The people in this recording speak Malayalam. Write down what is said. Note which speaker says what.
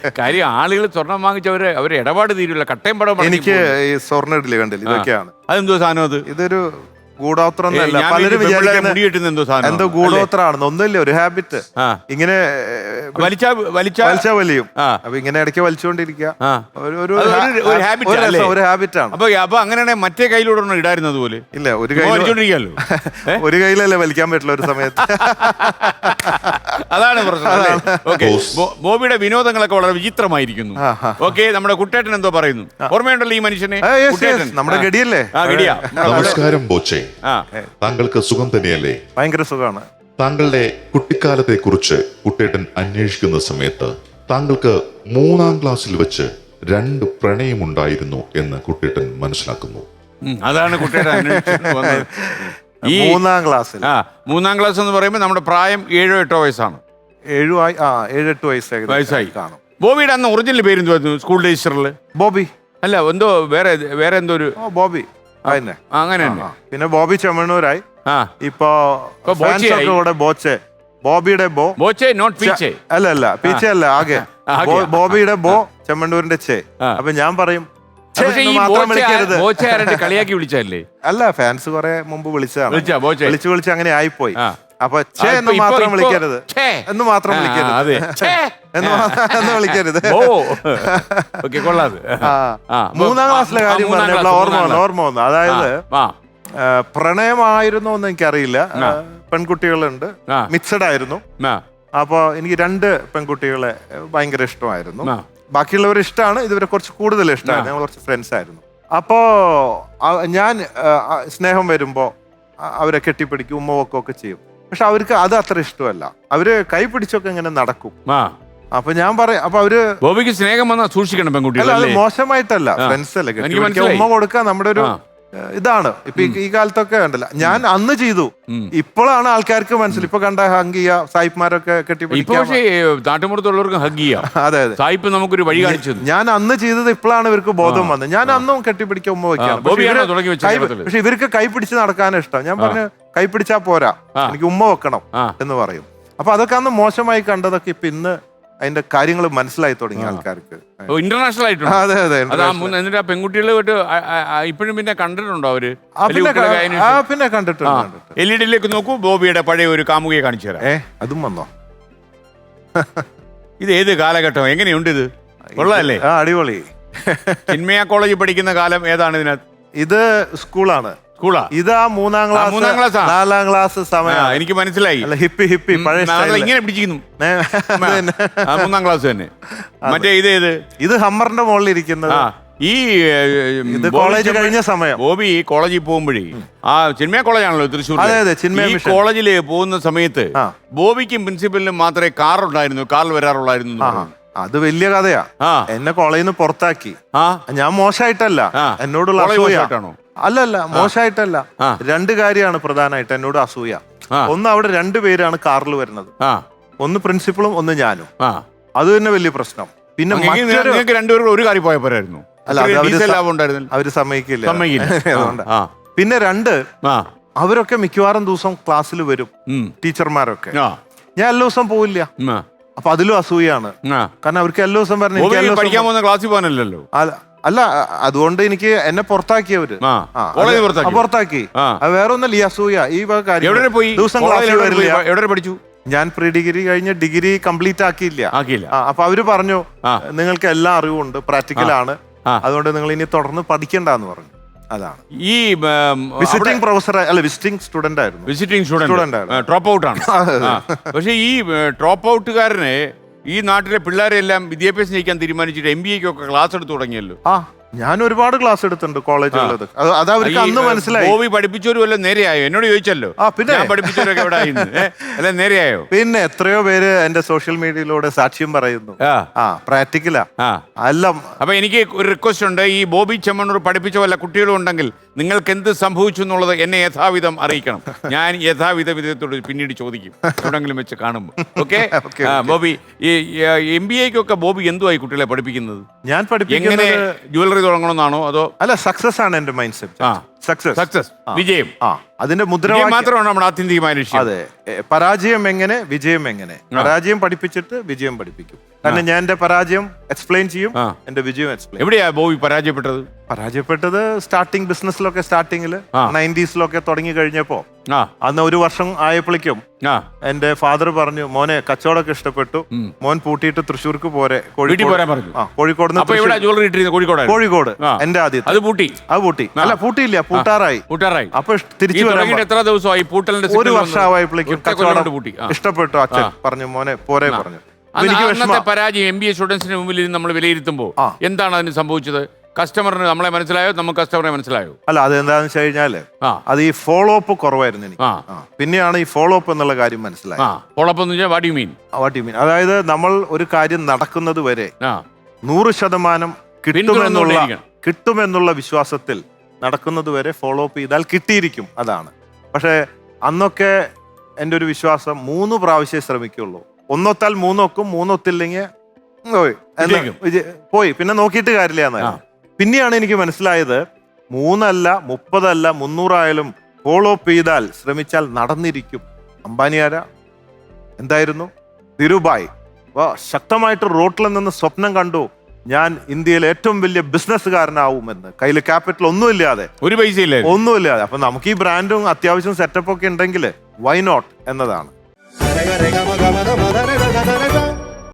Speaker 1: കാര്യം ആളുകൾ സ്വർണം വാങ്ങിച്ചവര് അവര് ഇടപാട് തീരുല്ല, കട്ടയും പടം.
Speaker 2: എനിക്ക് ഈ സ്വർണ്ണ ഇഡ്ഡലി കണ്ടില്ല, ഇതൊക്കെയാണ്.
Speaker 1: അതെന്തോ സാധനം അത്?
Speaker 2: ഇതൊരു ഗൂഢോത്രം എന്നല്ല, പലരും വിചാരിക്കുന്ന എന്തോ ഗൂഢോത്രമാണെന്ന്. ഒന്നുമില്ല, ഒരു ഹാബിറ്റ്. ഇങ്ങനെ വലിച്ചാ വലിയും. അപ്പൊ ഇങ്ങനെ ഇടയ്ക്ക് വലിച്ചുകൊണ്ടിരിക്കുക ഒരു ഹാബിറ്റാണ്.
Speaker 1: അപ്പൊ അങ്ങനെയാണെങ്കിൽ മറ്റേ കയ്യിലൂടെ ഇടായിരുന്നത് പോലെ.
Speaker 2: ഇല്ല, ഒരു കയ്യിലല്ലേ വലിക്കാൻ പറ്റില്ല ഒരു സമയത്ത്.
Speaker 1: അതാണ് പ്രശ്നം. ബോബിയുടെ വിനോദങ്ങളൊക്കെ വളരെ വിചിത്രമായിരിക്കുന്നു. ഓക്കെ, നമ്മുടെ കുട്ടേട്ടൻ എന്തോ പറയുന്നു, ഓർമ്മയുണ്ടല്ലോ ഈ മനുഷ്യനെ?
Speaker 2: നമ്മുടെ ഗഡിയല്ലേ?
Speaker 3: നമസ്കാരം ബോച്ചെ, താങ്കൾക്ക് സുഖം തന്നെയല്ലേ?
Speaker 2: ഭയങ്കര സുഖമാണ്.
Speaker 3: താങ്കളുടെ കുട്ടിക്കാലത്തെ കുറിച്ച് കുട്ടേട്ടൻ അന്വേഷിക്കുന്ന സമയത്ത് താങ്കൾക്ക് 3ാം ക്ലാസ്സിൽ വെച്ച് 2 പ്രണയമുണ്ടായിരുന്നു എന്ന് കുട്ടേട്ടൻ മനസ്സിലാക്കുന്നു.
Speaker 1: അതാണ് കുട്ടേട്ടൻ
Speaker 2: ഈ 3ാം ക്ലാസ്സിൽ.
Speaker 1: 3ാം ക്ലാസ് എന്ന് പറയുമ്പോൾ നമ്മുടെ പ്രായം 7-8 വയസ്സാണ്.
Speaker 2: 7-8 വയസ്സായി കാണും.
Speaker 1: ബോബിയുടെ അന്ന് ഒറിജിനൽ പേര് എന്തുവായിരുന്നു സ്കൂൾ രജിസ്റ്ററിൽ?
Speaker 2: ബോബി
Speaker 1: അല്ല, എന്തോ വേറെ എന്തോ ഒരു
Speaker 2: ബോബി
Speaker 1: അങ്ങനെ തന്നെ.
Speaker 2: പിന്നെ ബോബി ചെമ്മണ്ണൂരായി. ഇപ്പൊ ബോച്ചെ, ബോബിയുടെ
Speaker 1: ബോച്ചെ നോട്ട് പീച്ചെ.
Speaker 2: അല്ല പീച്ചെ അല്ല, ആകെ ബോബിയുടെ ചെമ്മണ്ണൂരിന്റെ ചേ. അപ്പൊ ഞാൻ പറയും
Speaker 1: കളിയാക്കി വിളിച്ചല്ലേ?
Speaker 2: അല്ല, ഫാൻസ് കുറെ മുമ്പ് വിളിച്ചതാണ്. വിളിച്ച് അങ്ങനെ ആയിപ്പോയി. അപ്പൊ എന്ന് മാത്രം വിളിക്കരുത്, എന്ന് മാത്രം വിളിക്കരുത്, എന്ന് വിളിക്കരുത്. 3ാം ക്ലാസ്സിലെ കാര്യം പറഞ്ഞപ്പോൾ ഓർമ്മ വന്നു. അതായത് പ്രണയമായിരുന്നോ എന്ന് എനിക്കറിയില്ല. പെൺകുട്ടികളുണ്ട്, മിക്സഡ് ആയിരുന്നു. അപ്പൊ എനിക്ക് 2 പെൺകുട്ടികളെ ഭയങ്കര ഇഷ്ടമായിരുന്നു. ബാക്കിയുള്ളവർ ഇഷ്ടമാണ്, ഇതുവരെ കുറച്ച് കൂടുതൽ ഇഷ്ടമാണ്. ഞങ്ങൾ കുറച്ച് ഫ്രണ്ട്സ് ആയിരുന്നു. അപ്പോ ഞാൻ സ്നേഹം വരുമ്പോ അവരെ കെട്ടിപ്പിടിക്കും, ഉമ്മ വെക്കുകയൊക്കെ ചെയ്യും. പക്ഷെ അവർക്ക് അത് അത്ര ഇഷ്ടമല്ല. അവര് കൈ പിടിച്ചൊക്കെ ഇങ്ങനെ നടക്കും. അപ്പൊ ഞാൻ പറയാം, അപ്പൊ അവര്
Speaker 1: ബോബിക്ക് സ്നേഹം വന്നാൽ സൂക്ഷിക്കണം പെൺകുട്ടികൾ.
Speaker 2: അത് മോശമായിട്ടല്ല, ഫ്രണ്ട്സ് അല്ലേ, ഉമ്മ കൊടുക്കുക നമ്മുടെ ഒരു ഇതാണ്. ഇപ്പൊ ഈ കാലത്തൊക്കെ ഉണ്ടല്ല, ഞാൻ അന്ന് ചെയ്തു. ഇപ്പോഴാണ് ആൾക്കാർക്ക് മനസ്സിൽ ഇപ്പൊ കണ്ട ഹഗ് ചെയ്യാ, സായിപ്പ്മാരൊക്കെ കെട്ടിപ്പിടിക്കാം.
Speaker 1: നാട്ടുമ്പുറത്തുള്ളവർക്ക് ഹഗ് ചെയ്യാം.
Speaker 2: അതെ,
Speaker 1: സായിപ്പ് നമുക്കൊരു വഴി കാണിച്ചു.
Speaker 2: ഞാൻ അന്ന് ചെയ്തത് ഇപ്പോഴാണ് ഇവർക്ക് ബോധം വന്നത്. ഞാൻ അന്നും കെട്ടിപ്പിടിക്കാൻ ഉമ്മ വയ്ക്കാം. പക്ഷെ ഇവർക്ക് കൈ പിടിച്ച് നടക്കാനും ഇഷ്ടം. ഞാൻ പറഞ്ഞു, കൈ പിടിച്ചാ പോരാ, എനിക്ക് ഉമ്മ വെക്കണം എന്ന് പറയും. അപ്പൊ അതൊക്കെ അന്ന് മോശമായി കണ്ടതൊക്കെ ഇപ്പൊ ഇന്ന് അതിന്റെ കാര്യങ്ങൾ മനസ്സിലായി തുടങ്ങി ആൾക്കാർക്ക്.
Speaker 1: ഇന്റർനാഷണൽ ആയിട്ട്.
Speaker 2: അതെ.
Speaker 1: എന്നിട്ട് ആ പെൺകുട്ടികളെ ഇപ്പോഴും പിന്നെ കണ്ടിട്ടുണ്ടോ അവര്?
Speaker 2: പിന്നെ കണ്ടിട്ടുണ്ട്.
Speaker 1: LED നോക്കൂ, ബോബിയുടെ പഴയ ഒരു കാമുകയെ കാണിച്ചു തരാം.
Speaker 2: അതും വന്നോ?
Speaker 1: ഇത് ഏത് കാലഘട്ടം? എങ്ങനെയുണ്ട് ഇത്? കൊള്ളാല്ലേ?
Speaker 2: അടിപൊളി.
Speaker 1: ചിന്മയ കോളേജിൽ പഠിക്കുന്ന കാലം ഏതാണ് ഇതിനകത്ത്?
Speaker 2: ഇത് സ്കൂളാണ്. ഇതാ 3ാം ക്ലാസ് 4ാം ക്ലാസ് സമയം.
Speaker 1: എനിക്ക് മനസ്സിലായി.
Speaker 2: ഹിപ്പി പഴയ
Speaker 1: ഇങ്ങനെ പിടിച്ചിരിക്കുന്നു. 3ാം ക്ലാസ് തന്നെ. മറ്റേ
Speaker 2: ഇത് ഹമ്മറിന്റെ മുകളിൽ ഇരിക്കുന്നത്. ഇത് കോളേജ് കഴിഞ്ഞ സമയം.
Speaker 1: ബോബി കോളേജിൽ പോകുമ്പോഴേ, ആ ചിന്മയ കോളേജാണല്ലോ തൃശ്ശൂർ. ഈ കോളേജിൽ പോകുന്ന സമയത്ത് ബോബിക്കും പ്രിൻസിപ്പലിനും മാത്രമേ കാർ ഉണ്ടായിരുന്നു, കാറിൽ വരാറുള്ളായിരുന്നു.
Speaker 2: അത് വലിയ കഥയാ. എന്നെ കോളേജിൽ നിന്ന് പുറത്താക്കി. ഞാൻ മോശമായിട്ടല്ല, എന്നോടുള്ള അസൂയ. അല്ലല്ല, മോശമായിട്ടല്ല. 2 കാര്യമാണ് പ്രധാനമായിട്ട് എന്നോട് അസൂയ. ഒന്ന്, അവിടെ 2 പേരാണ് കാറിൽ വരുന്നത്. ഒന്ന് പ്രിൻസിപ്പളും ഒന്ന് ഞാനും. അത് തന്നെ വലിയ പ്രശ്നം. പിന്നെ
Speaker 1: ഒരു കാര്യം പോയ പോരായിരുന്നു.
Speaker 2: അവര് സമ്മതിക്കില്ല. പിന്നെ 2, അവരൊക്കെ മിക്കവാറും ദിവസം ക്ലാസ്സിൽ വരും, ടീച്ചർമാരൊക്കെ. ഞാൻ എല്ലാ ദിവസം പോവില്ല. അപ്പൊ അതിലും അസൂയാണ്. കാരണം അവർക്ക് എല്ലാ ദിവസം
Speaker 1: പറഞ്ഞു.
Speaker 2: അല്ല, അതുകൊണ്ട് എനിക്ക് എന്നെ പുറത്താക്കിയവര് പുറത്താക്കി. വേറെ ഒന്നല്ല, ഈ അസൂയ, ഈ ദിവസം ക്ലാസ്സിൽ വരില്ല. ഞാൻ പ്രീ ഡിഗ്രി കഴിഞ്ഞ് ഡിഗ്രി കംപ്ലീറ്റ് ആക്കിയില്ല. അപ്പൊ അവര് പറഞ്ഞു, നിങ്ങൾക്ക് എല്ലാ അറിവുണ്ട്, പ്രാക്ടിക്കലാണ്, അതുകൊണ്ട് നിങ്ങൾ ഇനി തുടർന്ന് പഠിക്കണ്ടെന്ന് പറഞ്ഞു. അതാണ്.
Speaker 1: ഈ
Speaker 2: വിസിറ്റിംഗ് പ്രൊഫസർ അല്ല, വിസിറ്റിംഗ് സ്റ്റുഡന്റ് ആയിരുന്നു.
Speaker 1: വിസിറ്റിംഗ് സ്റ്റുഡന്റ് ഡ്രോപ്പ് ഔട്ട് ആണ്. പക്ഷെ ഈ ഡ്രോപ്പ് ഔട്ടുകാരനെ ഈ നാട്ടിലെ പിള്ളേരെല്ലാം വിദ്യാഭ്യാസം ചെയ്യിക്കാൻ തീരുമാനിച്ചിട്ട് MBA-ക്കൊക്കെ ക്ലാസ് എടുത്തു തുടങ്ങിയല്ലോ.
Speaker 2: ഞാൻ ഒരുപാട് ക്ലാസ് എടുത്തിട്ടുണ്ട് കോളേജുള്ളത്. അത് അവർക്ക് അന്ന് മനസ്സിലായി.
Speaker 1: ബോബി പഠിപ്പിച്ചവരും വല്ല നേരെയായോ? എന്നോട് ചോദിച്ചല്ലോ.
Speaker 2: പിന്നെ
Speaker 1: പഠിപ്പിച്ചവരൊക്കെ എവിടെ അല്ല നേരെയായോ?
Speaker 2: പിന്നെ എത്രയോ പേര് എന്റെ സോഷ്യൽ മീഡിയയിലൂടെ സാക്ഷ്യം പറയുന്നു. പ്രാക്ടിക്കലാ. അല്ല,
Speaker 1: അപ്പൊ എനിക്ക് ഒരു റിക്വസ്റ്റ് ഉണ്ട്. ഈ ബോബി ചെമ്മണ്ണൂർ പഠിപ്പിച്ച വല്ല കുട്ടികളും ഉണ്ടെങ്കിൽ നിങ്ങൾക്ക് എന്ത് സംഭവിച്ചു എന്നുള്ളത് എന്നെ യഥാവിധം അറിയിക്കണം. ഞാൻ യഥാവിധ വിധത്തോട് പിന്നീട് ചോദിക്കും എവിടെങ്കിലും വെച്ച് കാണുമ്പോൾ. ഓക്കെ ബോബി, ഈ MBAക്കൊക്കെ ബോബി എന്തുവായി കുട്ടികളെ പഠിപ്പിക്കുന്നത്?
Speaker 2: ഞാൻ
Speaker 1: എങ്ങനെ ജ്വല്ലറി തുടങ്ങണമെന്നാണോ അതോ?
Speaker 2: അല്ല, സക്സസ് ആണ് എന്റെ മൈൻഡ് സെറ്റ്.
Speaker 1: സക്സസ്, വിജയം.
Speaker 2: അതിന്റെ മുദ്രാവാക്യം
Speaker 1: മാത്രമാണ് നമ്മുടെ ആത്യന്തികമായ ലക്ഷ്യം.
Speaker 2: അതെ, പരാജയം എങ്ങനെ, വിജയം എങ്ങനെ. പരാജയം പഠിപ്പിച്ചിട്ട് വിജയം പഠിപ്പിക്കും. കാരണം ഞാൻ എന്റെ പരാജയം എക്സ്പ്ലെയിൻ ചെയ്യും, എന്റെ വിജയം എക്സ്പ്ലെയിൻ.
Speaker 1: എവിടെയാ ബോബി പരാജയപ്പെട്ടത്? സ്റ്റാർട്ടിങ് ബിസിനസ്സിലൊക്കെ, സ്റ്റാർട്ടിങ്ങില് 90s തുടങ്ങി കഴിഞ്ഞപ്പോ അന്ന് 1 വർഷം ആയപ്പോഴേക്കും എന്റെ ഫാദർ പറഞ്ഞു, മോനെ കച്ചവടമൊക്കെ ഇഷ്ടപ്പെട്ടു, മോൻ പൂട്ടിയിട്ട് തൃശ്ശൂർക്ക് പോരെ, കോഴിക്കോട്. കോഴിക്കോട് എന്റെ ആദ്യം അത് പൂട്ടി. അല്ല, പൂട്ടിയില്ല, പൂട്ടാറായി. അപ്പൊ
Speaker 2: തിരിച്ചു
Speaker 1: എത്ര ദിവസമായി?
Speaker 2: 1 വർഷമായപ്പോഴേക്കും കച്ചവടം ഇഷ്ടപ്പെട്ടു. അച്ഛൻ പറഞ്ഞു, മോനെ പോരെ പറഞ്ഞു.
Speaker 1: അന്നത്തെ പരാജയം MBA സ്റ്റുഡൻസിന് മുമ്പിൽ നമ്മൾ വിലയിരുത്തുമ്പോൾ എന്താണ് അതിന് സംഭവിച്ചത്? കസ്റ്റമറിന് നമ്മളെ മനസ്സിലായോ? നമുക്ക് കസ്റ്റമറെ മനസ്സിലായോ?
Speaker 2: അല്ല, അതെന്താന്ന് വെച്ച് കഴിഞ്ഞാല് അത് ഈ ഫോളോ അപ്പ് കുറവായിരുന്നു എനിക്ക്. പിന്നെയാണ് ഈ ഫോളോ അപ്പ് എന്നുള്ള കാര്യം മനസ്സിലായത്.
Speaker 1: ഫോളോ അപ്പ് എന്ന് വെച്ചാൽ വാട്ട് യു മീൻ?
Speaker 2: അതായത് നമ്മൾ ഒരു കാര്യം നടക്കുന്നത് വരെ 100% കിട്ടുമെന്നുള്ള വിശ്വാസത്തിൽ നടക്കുന്നത് വരെ ഫോളോ അപ്പ് ചെയ്താൽ കിട്ടിയിരിക്കും. അതാണ്. പക്ഷെ അന്നൊക്കെ എൻ്റെ ഒരു വിശ്വാസം 3 പ്രാവശ്യം ശ്രമിക്കുള്ളൂ. 1 ഒത്താൽ 3 ഒക്കും, 3 ഒത്തില്ലെങ്കിൽ പോയി, പിന്നെ നോക്കിയിട്ട് കാര്യമില്ല എന്നായിരുന്നു. പിന്നെയാണ് എനിക്ക് മനസ്സിലായത് 3 അല്ല 30 അല്ല 300 ആയാലും ഫോളോ അപ്പ് ചെയ്താൽ, ശ്രമിച്ചാൽ നടന്നിരിക്കും. അംബാനി ആരാ? എന്തായിരുന്നു? ധീരുഭായ്. ശക്തമായിട്ട് റോട്ടിൽ നിന്ന് സ്വപ്നം കണ്ടു, ഞാൻ ഇന്ത്യയിലെ ഏറ്റവും വലിയ ബിസിനസ്സുകാരനാവുമെന്ന്. കയ്യിൽ ക്യാപിറ്റൽ ഒന്നുമില്ലാതെ,
Speaker 1: ഒരു പൈസയില്ല,
Speaker 2: ഒന്നുമില്ലാതെ. അപ്പൊ നമുക്ക് ഈ ബ്രാൻഡും അത്യാവശ്യം സെറ്റപ്പ് ഒക്കെ ഉണ്ടെങ്കിൽ വൈ നോട്ട് എന്നതാണ്.